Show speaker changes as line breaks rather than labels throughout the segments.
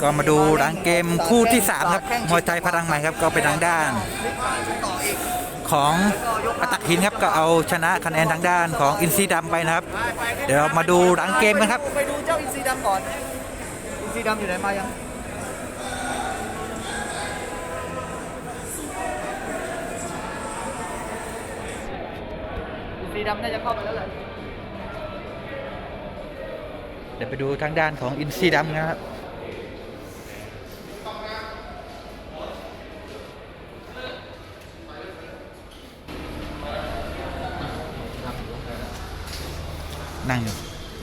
ก็มาดูหลังเกมคู่ที่3ครับมวยไทยพลังใหม่ครับก็เป็นทางด้านของปัตตหินครับก็เอาชนะคะแนนทางด้านของอินทรีดำไปนะครับเดี๋ยวเรามาดูหลังเกมกันครับ
ไปดูเจ้าอินทรีดำก่อนอินทรีดำอยู่ไหนมายังอินทรีดำน่าจะเข้าไปแล้วแหละ
เดี๋ยวไปดูทางด้านของอินทรีดำนะครับนั่งอยู่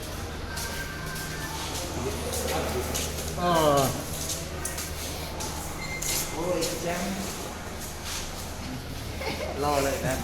โอ้ยแจ้งรอเลยนะ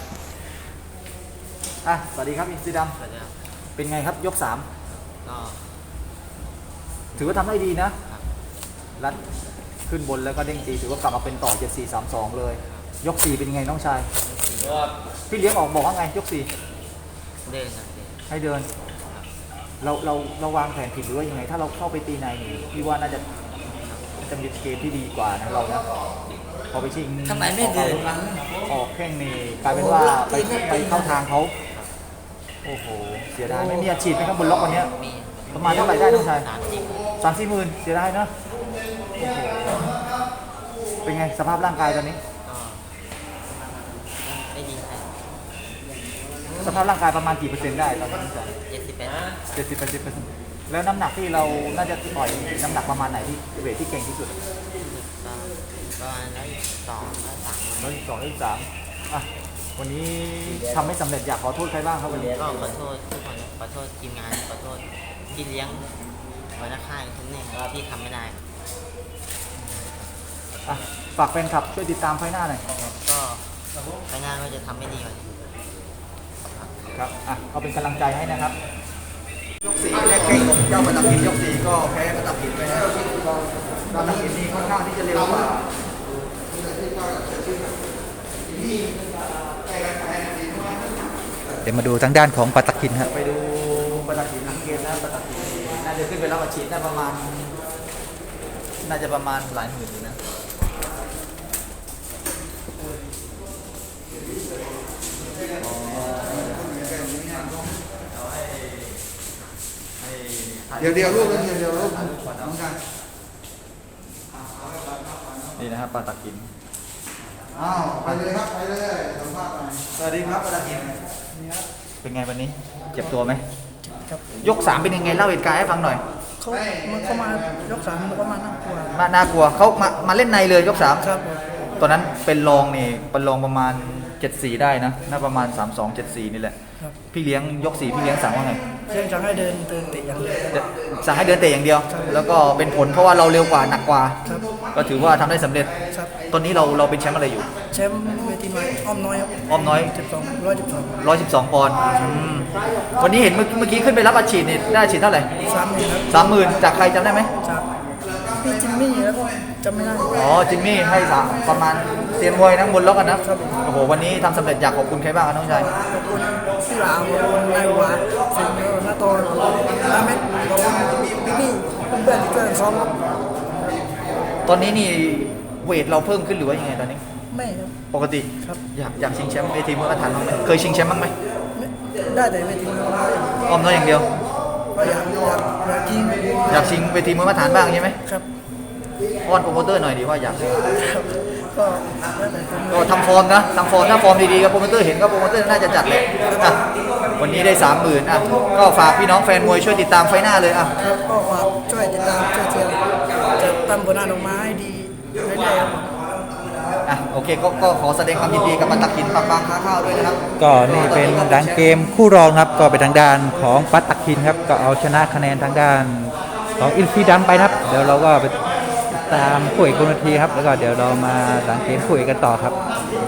สวัสดีครับอินทรีดำเป็นไงครับยก3ก็ถือว่าทำได้ดีนะรัดขึ้นบนแล้วก็เด้งตีถือว่ากลับมาเป็นต่อ 7-4-3-2 เลยยก4เป็นไงน้องชายพี่เลี้ยงบอกว่าไงยก4
เดิน
ให้เดินเราวางแผนผิดหรือว่ายังไงถ้าเราเข้าไปตีในพี่ว่าน่าจะมีเกมที่ดีกว่านะเรานะพอไปชิง
ทำไมไม่เดิน
ออกแข้งนี่กลายเป็นว่าไปเข้าทางเขาโอ้โหเสียดายไม่มีอาชีพไหมครับบนล็อกวันนี้ประมาณเท่าไหร่ได้น้องชาย30-40 หมื่นเสียดายนะโอ้โหเป็นไงสภาพร่างกายตอนนี้
ไม่ดี
สภาพร่างกายประมาณกี่เปอร์เซ็นต์ได้ตอนนี้70-80%แล้วน้ำหนักที่เราน่าจะต่อยน้ำหนักประมาณไหนที่เวทที่เก่งที่สุด
ประมาณ
102-103วันนี้ทำไม่สำเร็จอยากขอโทษใครบ้างครับวันนี้
ก็ขอโทษทุกคนขอโทษทีมงานขอโทษที่เลี้ยงหัวหน้าค่ายทุกเนี่ยที่ทำไม่ได้
ฝากแฟนคลับช่วยติดตามไฟหน้าหน่อย
ก็ไฟหน้าก็จะทำไม่ดีกว่า
ครับเอาเป็นกำลังใจให้นะครับยก4แรกเก่งของเจ้าปัตตหินยก4ก็แพ้ปัตตหินไปนะปัตตหินนี่ค่อนข้างที่จะเร็วกว่า
เดี๋ยวมาดูทางด้านของปัตตหินครับ
ไปดูปัตตหินหลังเกมนะปัตตหินน่าจะขึ้นไปรับอาชีพได้ประมาณหลายหมื่นอยู่นะ
เดี๋ยวลูกเดี๋ยวลูกน้องกัน
นี่นะครับปัตตหิน
ไปเลยครับไปเลยสัมภาษณ์หน่อย
สวัสดีครับปัตตหินเป็นไงวันนี้เจ็บตัวไหมยก3เป็นยังไงเล่าเหตุการณ์ให้ฟังหน่อย
มันเข้ามายก3มันก็มาน่ากลัว
น่ากลัวเขามาเล่นในเลยยก3
ครับ
ตอนนั้นเป็นรองประมาณ74ได้นะน่าประมาณ32-74นี่แหละพี่เลี้ยงยก4พี่เลี้ยงสั่งว่าไง
สั่งให้เดินเตะอย่างเดียว
สั่งให้เดินเตะอย่างเดียวแล้วก็เป็นผลเพราะว่าเราเร็วกว่าหนักกว่าก็ถือว่าทำได้สำเร็จตอนนี้เราเป็นแชมป์อะไรอยู่
แชมป์เวทีน้อยอ้อมน้อย
อ้อมน้อย112ปอนด์วันนี้เห็นเมื่อกี้ขึ้นไปรับอาชีพนี่ได้อาชีพเท่าไหร่30,000จากใครจำได้ไหม
จากพี่จิมมี่แล้วก็จำไม่ได้
จิมมี่ให้ประมาณเซียนมวยนั่งบนล็อกกันนะโอ้โหวันนี้ทำสำเร็จอยากขอบคุณใครบ้างครับน้องชาย
ขอบคุณพี่หลามขอบคุณนายหวานสิงห์นาโตนาเม็ดขอบคุณพี่เพื่อนที่ช่วยซ้อมครับ
ตอนนี้นี่เวทเราเพิ่มขึ้นหรือว่ายังไงตอนนี้
ไม่ครับ
ปกติ
ครับ
อยากชิงแชมป์เวทีมวยมาตรฐานบ้างไหมเคยชิงแชมป์บ้างไหม
ได้แต่เวทีมวย
อ้อมน้อยอย่างเดียว
ก็อยาก
ชิงเวทีมวยมาตรฐานบ้างใช่ไหม
ครับ
อ้อนโปรโมเตอร์หน่อยดีว่าอยาก
ก็
ทำฟอร์มนะถ้าฟอร์มดีๆกับโปรโมเตอร์เห็นก็โปรโมเตอร์น่าจะจัดเลยวันนี้ได้30,000ก็ฝากพี่น้องแฟนมวยช่วยติดตามไฟหน้าเลย
ครับก็ฝากช่วยติดตามช่วยเชียร์จะทำผลงานออกมาให้ดีเรื่อย
ๆโอเคก็ขอแสดงความยินดีกับปัตตหินปากบางค้าข้าวด้วยนะครับ
ก็นี่เป็นดังเกมคู่รองครับก็เป็นทางด้านของปัตตหินครับก็เอาชนะคะแนนทางด้านของอินทรีดำไปครับเดี๋ยวเราก็ไปตามคู่เอกบนเวทีครับแล้วก็เดี๋ยวเรามาหลังเกมคู่เอกกันต่อครับ